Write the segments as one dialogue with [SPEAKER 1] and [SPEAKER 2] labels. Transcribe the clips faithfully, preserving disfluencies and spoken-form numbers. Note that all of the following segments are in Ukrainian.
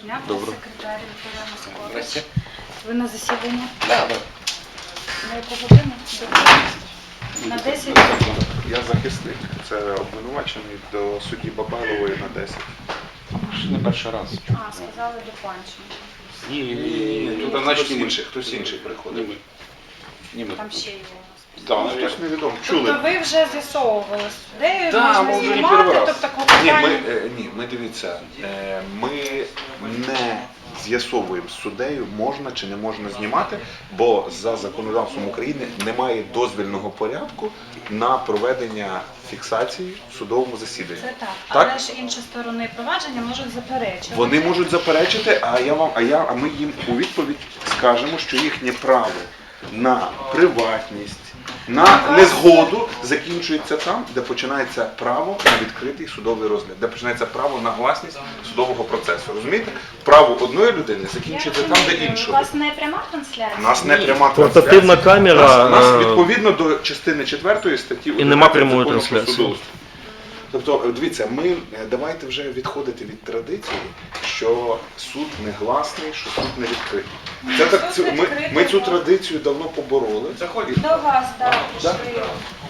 [SPEAKER 1] дня,
[SPEAKER 2] Добре.
[SPEAKER 1] секретар Вікторія Москова.
[SPEAKER 2] Здрасте.
[SPEAKER 1] Ви на засіданні?
[SPEAKER 2] Да, да.
[SPEAKER 1] На яку годину? До- На десять?
[SPEAKER 3] Я захисник, це обвинувачений до судді Бабайлової на десять.
[SPEAKER 2] Ще не перший раз.
[SPEAKER 1] А, сказали до Панченка.
[SPEAKER 2] Ні, ні,
[SPEAKER 3] Ні,
[SPEAKER 2] ні,
[SPEAKER 3] ні,
[SPEAKER 2] ні.
[SPEAKER 3] тут хтось інший, хтось інший приходив.
[SPEAKER 2] Ні, ми.
[SPEAKER 1] Там ще є у нас.
[SPEAKER 3] Так, ну, хтось невідомо.
[SPEAKER 1] Тобто
[SPEAKER 3] Чули?
[SPEAKER 1] ви вже з'ясовували з суддею,
[SPEAKER 2] Да,
[SPEAKER 1] можна
[SPEAKER 2] ми вже не
[SPEAKER 1] знімати,
[SPEAKER 2] перший раз.
[SPEAKER 1] тобто
[SPEAKER 3] Ні, ми,
[SPEAKER 1] клопотання.
[SPEAKER 3] е, ні, ми дивіться, е, ми не з'ясовуємо з суддею, можна чи не можна знімати, бо за законодавством України немає дозвільного порядку на проведення фіксації в судовому засіданні.
[SPEAKER 1] Це так.
[SPEAKER 3] Так?
[SPEAKER 1] Але ж інші сторони провадження можуть заперечити.
[SPEAKER 3] Вони можуть заперечити, а я вам, а я, а ми їм у відповідь скажемо, що їхнє право на приватність, на незгоду закінчується там, де починається право на відкритий судовий розгляд, де починається право на гласність судового процесу. Розумієте? Право одної людини закінчується там, де
[SPEAKER 1] У
[SPEAKER 3] іншої.
[SPEAKER 1] вас не пряма трансляція?
[SPEAKER 3] У нас не пряма
[SPEAKER 4] Портативна
[SPEAKER 3] трансляція.
[SPEAKER 4] камера,
[SPEAKER 3] У нас, у нас
[SPEAKER 4] е,
[SPEAKER 3] відповідно до частини четвертої статті
[SPEAKER 4] і нема
[SPEAKER 3] одинадцять
[SPEAKER 4] прямої
[SPEAKER 3] Закону про
[SPEAKER 4] трансляції.
[SPEAKER 3] судоустрій. Тобто, дивіться, ми е, давайте вже відходити від традиції, що суд не гласний, що суд не відкритий. Це
[SPEAKER 1] Суд
[SPEAKER 3] так, цю- ми,
[SPEAKER 1] відкритий,
[SPEAKER 3] ми цю
[SPEAKER 1] так.
[SPEAKER 3] традицію давно побороли. І-
[SPEAKER 1] До вас, так,
[SPEAKER 3] Да?
[SPEAKER 1] пішли.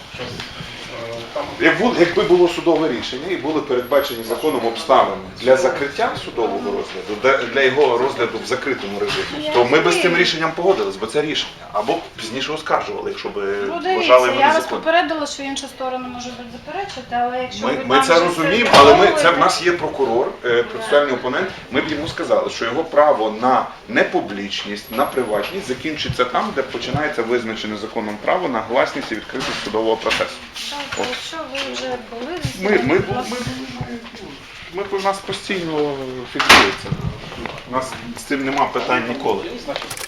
[SPEAKER 3] Як бу- Якби було судове рішення і були передбачені законом обставини для закриття судового розгляду, для- для його розгляду в закритому режимі, то ми би з цим рішенням погодились, бо це рішення. Або пізніше оскаржували, якщо б
[SPEAKER 1] Ну,
[SPEAKER 3] вважали
[SPEAKER 1] дивіться,
[SPEAKER 3] його
[SPEAKER 1] я вас
[SPEAKER 3] незаконним.
[SPEAKER 1] попередила, що інша сторона може бути заперечити, але якщо
[SPEAKER 3] Ми,
[SPEAKER 1] ви
[SPEAKER 3] ми
[SPEAKER 1] там
[SPEAKER 3] це
[SPEAKER 1] вже
[SPEAKER 3] розуміємо, але ми, це в
[SPEAKER 1] з'ясовуєте-
[SPEAKER 3] нас є прокурор, е, процесуальний опонент. Ми б йому сказали, що його право на непублічність, на приватність закінчиться там, де починається визначене законом право на гласність і відкритість судового процесу.
[SPEAKER 1] Так, якщо ви вже були
[SPEAKER 3] Ми,
[SPEAKER 1] засіданні,
[SPEAKER 3] ми,
[SPEAKER 1] будь
[SPEAKER 3] ми,
[SPEAKER 1] ласка.
[SPEAKER 3] ми, ми, у нас постійно фіксується. У нас з цим нема питань ніколи.